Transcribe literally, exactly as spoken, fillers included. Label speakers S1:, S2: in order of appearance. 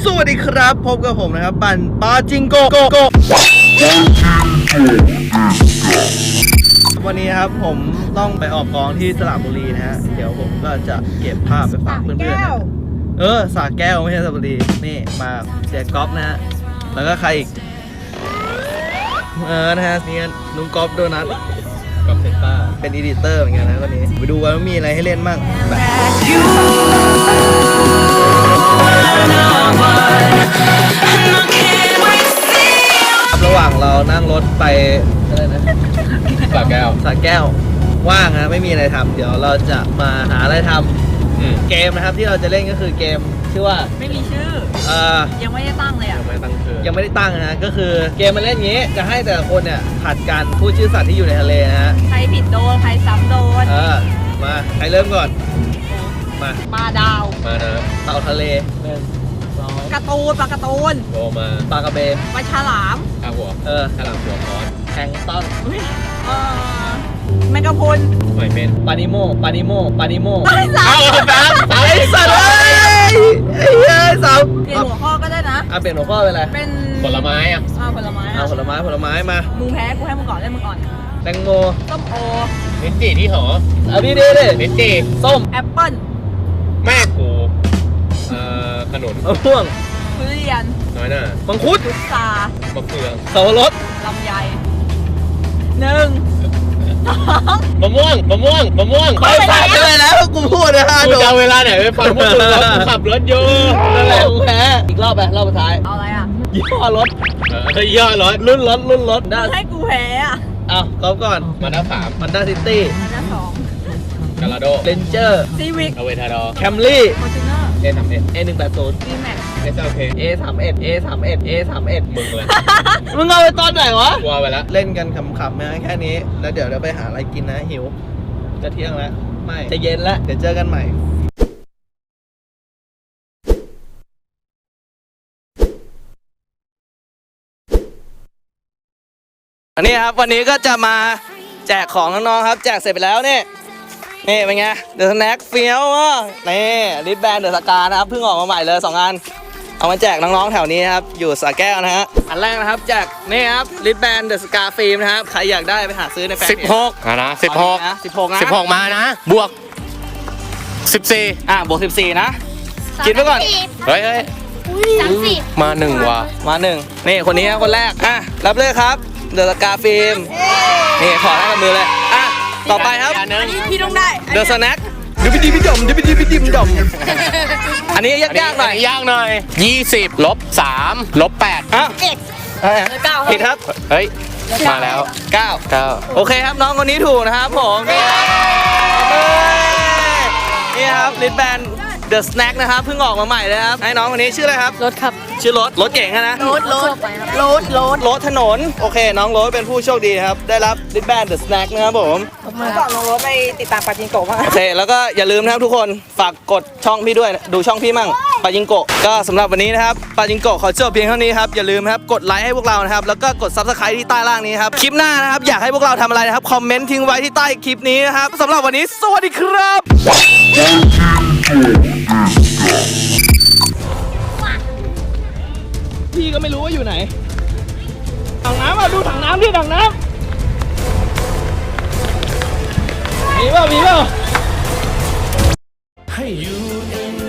S1: สวัสดีครับพบกับผมนะครับปั่นปาจิงโกโกโกวันนี้ครับผมต้องไปออกกองที่สระบุรีนะฮะเดี๋ยวผมก็จะเก็บภาพไปฝากเพื่อนๆนะเออสระแก้วไม่ใช่สระบุรีนี่มาเสียก๊อฟนะฮะแล้วก็ใครอีกเออนะฮะนี่ลุงก๊อฟโดนัทก๊อฟเซนต้าเป็นอีดิเตอร์เหมือนกันนะวันนี้ไปดูว่ามีอะไรให้เล่นบ้างระหว่างเรานั่งรถไปอะไรนะสระแก้วสระแก้วว่างนะไม่มีอะไรทำเดี๋ยวเราจะมาหาอะไรทำเกมนะครับที่เราจะเล่นก็คือเกมชื่อว่า
S2: ไม่มีชื่อ
S1: เอ่อ
S2: ยังไม่ได้ตั้งเลยอ่ะ
S1: ยังไม่ตั้งชื่อยังไม่ได้ตั้งนะก็คือเกมมันเล่นงี้จะให้แต่ละคนเนี่ยผัดกันพูดชื่อสัตว์ที่อยู่ในทะเลนะฮะ
S2: ใครผิดโดนใครซ้ำโดน
S1: เออมาใครเริ่มก่อนมา
S2: ปลาดาว
S1: มานะเต่าทะเลหนึ่งสอง
S2: การ์ตูนปลาการ์ตูน
S1: โตมาปลากระเบน
S2: ปลาฉลาม
S1: ปลาหัวเออฉลามหัวคอนแทงต้น
S2: เออแมงกะพรุน
S1: หอยเม่นปานิโมปานิโมปานิโม
S2: ไอ้สาม
S1: ไอ้สัตว์เลยไอ้เฮ้ยสาม
S2: เปลี่ยนหัวข้อก็ได้นะ
S1: อ่ะเปลี่ยนหัวข้อเป็นอะไร
S2: เป็น
S1: ผลไม้อ่ะ
S2: อ่าผลไม้
S1: อ่าผลไม้ผลไม้มา
S2: มึงแพ้กูให้มึงก่อนเล่นมึงก่อน
S1: แตงโม
S2: ส้มโอ
S1: ลิ้นจี่ที่หอเอาดีดีดิลิ้นจี่ส้ม
S2: แอปเปิ้ล
S1: แม่กูเอ่อขนุนมะม่วง
S2: ทุเรียน
S1: น้อยหน้ามังคุด
S2: พุทราม
S1: ะเฟืองสับปะรด
S2: ลำไยหนึ่ง
S1: มะม่วงมะม่วงมะม่วงไปผ่านไปแล้วกูพูดนะฮะกูจะเวลาไหนไปฟังพวกคุณขับรถอยู่นั่นแหละกูแพ้อีกรอบไปรอบสุดท้าย
S2: เอาอะไรอ่ะ
S1: ยี่ห้อรถเฮ้ยยี่ห้อรถรุ่นรถรุ่นรถ
S2: ได้ให้กูแพ้อ่ะ
S1: อ้าวเขาก่อนมาด้าสามมาด้าซิตี้
S2: มาด้าสอง
S1: กาลาโดเรนเจอร์
S2: ซีวิก
S1: อเวทาดอแคมรี่
S2: ฟอร์จูเนอร์
S1: เอสามเอ็ดเอหนึ่งแปดศูนย์
S2: ดีแม็ก
S1: เอสโอเคเอสามเอ็ดเอสามเอ็ดเอสามเอ็ดมึงเลยมึงเอาไปตอนไหนวะกลัวไปแล้วเล่นกันขำๆนะแค่นี้แล้วเดี๋ยวเราไปหาอะไรกินนะหิวจะเที่ยงแล้วไม่จะเย็นแล้วเดี๋ยวเจอกันใหม่อันนี้ครับวันนี้ก็จะมาแจกของน้องๆครับแจกเสร็จไปแล้วนี่นี่เป็นไงเดอะสแน็คเฟี้ยวนี่ลิปแบนเดอะสกานะครับเพิ่งออกมาใหม่เลยสองอันเอามาแจกน้องๆแถวนี้ครับอยู่สระแก้วนะฮะอันแรกนะครับแจกนี่ครับลิปแบนเดอะสกาฟิล์มนะครับใครอยากได้ไปหาซื้อในแฟนเพจสิบหกนะสิบหกนะสิบหกนะสิบหกมานะบวกสิบสี่อ่ะบวกสิบสี่นะคิดไว้ก่อนเฮ้ยเฮ้ย
S3: สามสิบ
S1: มาหนึ่งว่ะมาหนึ่งนี่คนนี้คนแรกอ่ะรับเลยครับเดอะสกาฟิล์มนี่ขอให้กับมือเลยอ่ะต่อไปครับ
S2: อันนี้พี่ต้องได้
S1: เดอะสแน็คดิบดิบดมดิบดิบดิบดมอันนี้ยากๆหน่อยยากหน่อยยี่สิบลบสามลบแปดอ่ะ
S2: เอ็ดเก้า
S1: ผิดครับเฮ้ยมาแล้วเก้าเก้าโอเคครับน้องคนนี้ถูกนะครับผมนี่ครับลิปแบนเดอะสแน็คนะครับเพิ่งออกมาใหม่เลยครับให้น้องคนนี้ชื่ออะไรครับ
S2: รถครับ
S1: ชื่อรถรถเก่งนะ
S2: รถรถรถรถ
S1: รถถนนโอเคน้องรถเป็นผู้โชคดีครับได้รับลิปแบนเดอะสแน็คนะครับผม
S2: เมื่อก่อนน้องรถไปติดตามปาจิงโกะมา
S1: โอเคแล้วก็อย่าลืมนะครับทุกคนฝากกดช่องพี่ด้วยดูช่องพี่มั่งปาจิงโกะก็สำหรับวันนี้นะครับปาจิงโกะขอจบเพียงเท่านี้ครับอย่าลืมครับกดไลค์ให้พวกเรานะครับแล้วก็กดซับสไครต์ที่ใต้ล่างนี้ครับคลิปหน้านะครับอยากให้พวกเราทำอะไรนะครับคอมเมนต์ทิ้งไว้ที่ใต้คลิปนี้นะครับสำหรับวันนี้สวัสดีครับพี่ก็ไม่รู้ว่าอยู่ไหนถังน้ำอ่ะดูถังน้ำดิถังน้ำมีเปล่ามีเปล่าให้อยู่